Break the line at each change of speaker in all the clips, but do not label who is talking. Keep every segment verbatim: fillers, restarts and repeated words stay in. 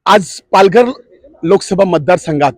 आज पालघर लोकसभा मतदारसंघात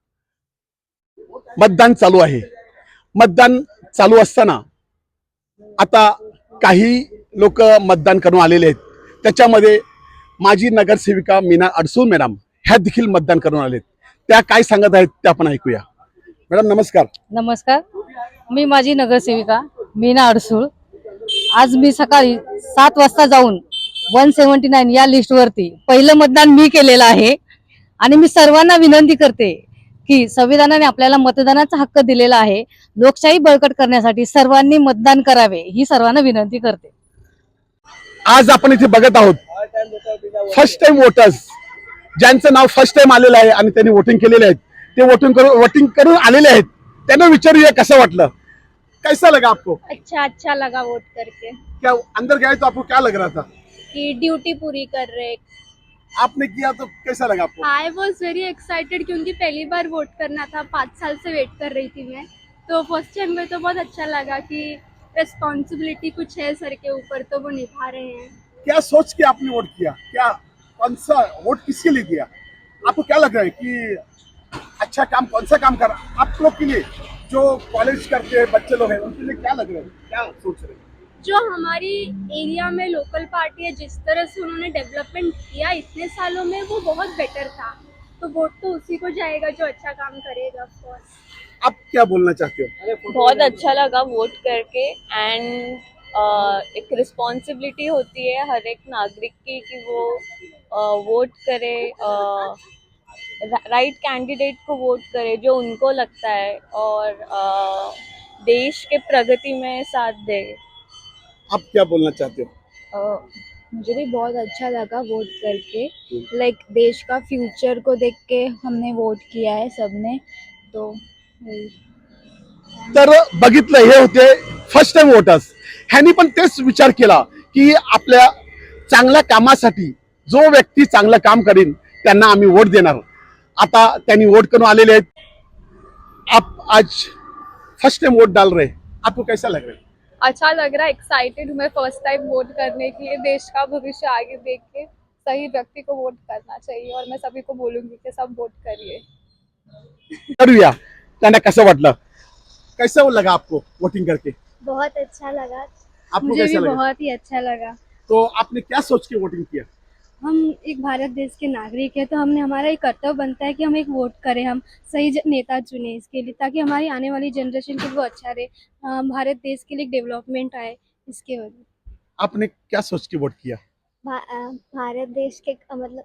मतदान चालू आहे। मतदान चालू असताना आता काही लोक मतदान करून आलेले आहेत। त्याच्यामध्ये माजी नगरसेविका मीना अडसूळ मॅडम ह्या देखील मतदान करून आलेत। त्या काय सांगत आहेत ते आपण ऐकूया। मॅडम नमस्कार।
नमस्कार, मी माजी नगरसेविका मीना अडसूळ। आज मी सकाळी सात वाजता जाऊन वन सेव्हन्टी नाईन या लिस्टवरती पहिलं मतदान मी केलेलं आहे आणि मी सर्वांना विनंती करते की संविधानाने आपल्याला मतदानाचा हक्क दिलेला आहे। लोकशाही बळकट करण्यासाठी सर्वांनी मतदान करावे ही सर्वांना विनंती करते।
आज आपण इथे बघत आहोत फर्स्ट टाइम वोटर्स, ज्यांचं नाव फर्स्ट टाइम आलेलं आहे आणि त्यांनी वोटिंग केलेले आहेत, ते वोटिंग करून वोटिंग करून आलेले आहेत। त्यांना विचारूया कसं वाटलं, कैसा लगा आपको?
अच्छा अच्छा लगा वोट करके।
क्या अंदर गए तो आपको क्या लग रहा था
कि ड्यूटी पूरी कर रहे।
आपने किया तो कैसा लगा आपको?
आई वॉज वेरी एक्साइटेड क्योंकि पहली बार वोट करना था, पाँच साल से वेट कर रही थी मैं, तो फर्स्ट टाइम में तो बहुत अच्छा लगा कि रिस्पॉन्सिबिलिटी कुछ है सर के ऊपर, तो वो निभा रहे हैं।
क्या सोच के आपने वोट किया? क्या कौन सा वोट किसके लिए किया? आपको क्या लग रहा है कि अच्छा काम कौन सा काम कर आप लोग के लिए, जो कॉलेज करते हैं बच्चे लोग हैं उनके लिए क्या लग रहा है, क्या सोच रहे हैं?
जो हमारी एरिया में लोकल पार्टी है, जिस तरह से उन्होंने डेवलपमेंट किया इतने सालों में, वो बहुत बेटर था, तो वोट तो उसी को जाएगा जो अच्छा काम करेगा। Of course.
आप क्या बोलना चाहते हो?
बहुत अच्छा लगा वोट करके। एंड एक रिस्पॉन्सिबिलिटी होती है हर एक नागरिक की कि वो वोट करे, राइट कैंडिडेट को वोट करे जो उनको लगता है और uh, देश के प्रगति में साथ दे।
आप क्या बोलना चाहते हो?
Uh, मुझे भी बहुत अच्छा लगा वोट करके। लाइक like, देश का फ्यूचर को देख के हमने वोट किया है सबने, तो
तर बघितलं, हे होते फर्स्ट टाइम वोटर्स। ह्यांनी पण तेच विचार केला की आपल्या चांगल्या कामासाठी जो व्यक्ती चांगलं काम करेन त्यांना आम्ही वोट देणार। आता त्यांनी वोट करून आलेले आहेत। आप आज फर्स्ट टाइम वोट डाल रहे, आपको कैसा लग रहा है?
अच्छा लग रहा है, एक्साइटेड हूँ मैं फर्स्ट टाइम वोट करने के लिए। देश का भविष्य आगे देख के सही व्यक्ति को वोट करना चाहिए और मैं सभी को बोलूंगी कि सब वोट करिए।
करूया। त्यांना कसं वाटलं, कैसा लगा आपको वोटिंग करके?
बहुत अच्छा लगा।
आपको
मुझे
कैसा
भी
लगा?
बहुत ही अच्छा लगा।
तो आपने क्या सोच के वोटिंग किया?
हम एक भारत देश के नागरिक है, तो हमने हमारा एक कर्तव्य बनता है कि हम एक वोट करें, हम सही ज- नेता चुने इसके लिए, ताकि हमारी आने वाली जनरेशन के लिए वो अच्छा रहे, अ, भारत देश के लिए डेवलपमेंट आए इसके वजह।
आपने क्या सोच के वोट किया?
भा, अ, भारत देश के अ, मतलब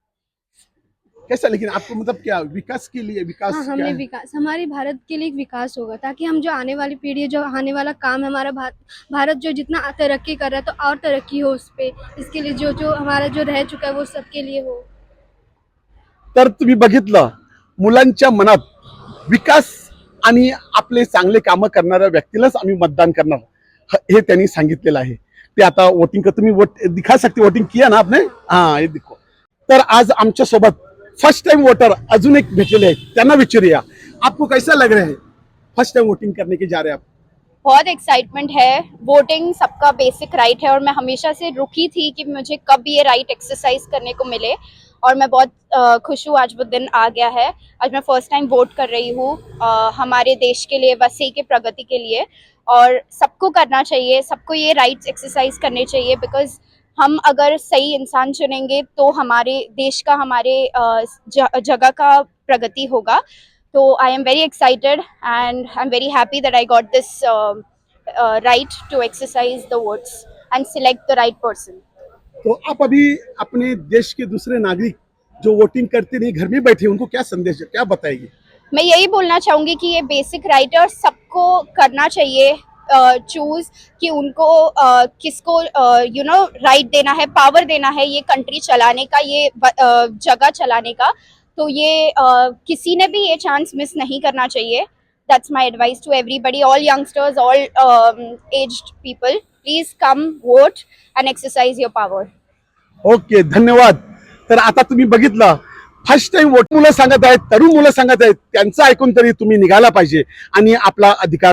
कैसा, लेकिन आपको मतलब क्या विकास के लिए विकास
हाँ,
क्या
हमने
है?
विकास, हमारे भारत के लिए एक विकास होगा, ताकि हम जो आने वाली पीढ़ी है, जो आने वाला काम है हमारा, भारत भारत जो जितना तरक्की कर रहा है, तो और तरक्की हो उस पे, इसके लिए जो जो हमारा जो रह चुका है वो सबके लिए हो।
तर तुम्ही बघितलं, मुलांच्या मनात विकास आणि आपले चांगले कामं करणाऱ्या व्यक्तीलाच आम्ही मतदान करणार ह- हे त्यांनी सांगितलेलं आहे। ते आता वोटिंग कर, तुम्ही वोट दिखा सकते, वोटिंग किया ना आपने? हाँ, ये देखो। तर आज आमच्या सोबत फर्स्ट टाइम वोटर अजून एक भेटलेले आहेत, त्यांना विचारूया, आपको कैसा लग रहा है फर्स्ट टाइम वोटिंग करने के जा रहे हैं आप?
बहुत एक्साइटमेंट है। वोटिंग सबका बेसिक राइट है और मैं हमेशा से रुकी थी कि मुझे कब ये राइट एक्सरसाइज करने को मिले, और मैं बहुत अ, खुश हूँ आज वो दिन आ गया है। आज मैं फर्स्ट टाइम वोट कर रही हूँ अ, हमारे देश के लिए, वसई के प्रगति के लिए, और सबको करना चाहिए, सबको ये राइट्स एक्सरसाइज करने चाहिए। बिकॉज हम अगर सही इंसान चुनेंगे तो हमारे देश का, हमारे अ, ज- जगह का प्रगति होगा। So I am very excited and I'm very happy that I got this uh, uh, right to exercise the votes and select the right person.
तो आप अभी अपने देश के दूसरे नागरिक जो वोटिंग करते नहीं, घर में बैठे, उनको क्या संदेश, क्या बताएगी?
मैं यही बोलना चाहूँगी कि ये बेसिक राइट है और सबको करना चाहिए चूज कि उनको uh, किसको यू नो राइट देना है, पावर देना है ये कंट्री चलाने का, ये uh, जगह चलाने का। तो ये uh, किसी ने भी ये चांस मिस नहीं करना चाहिए। That's my advice to everybody, all youngsters, all aged people, please come vote and exercise your power.
Okay, धन्यवाद। तर आता तुम्ही बघितलं, फर्स्ट टाइम वोट मुलं सांगत आहेत, तरुण मुलं सांगत आहेत, त्यांचं ऐकून तरी तुम्ही निघाला पाहिजे आणि आपला अधिकार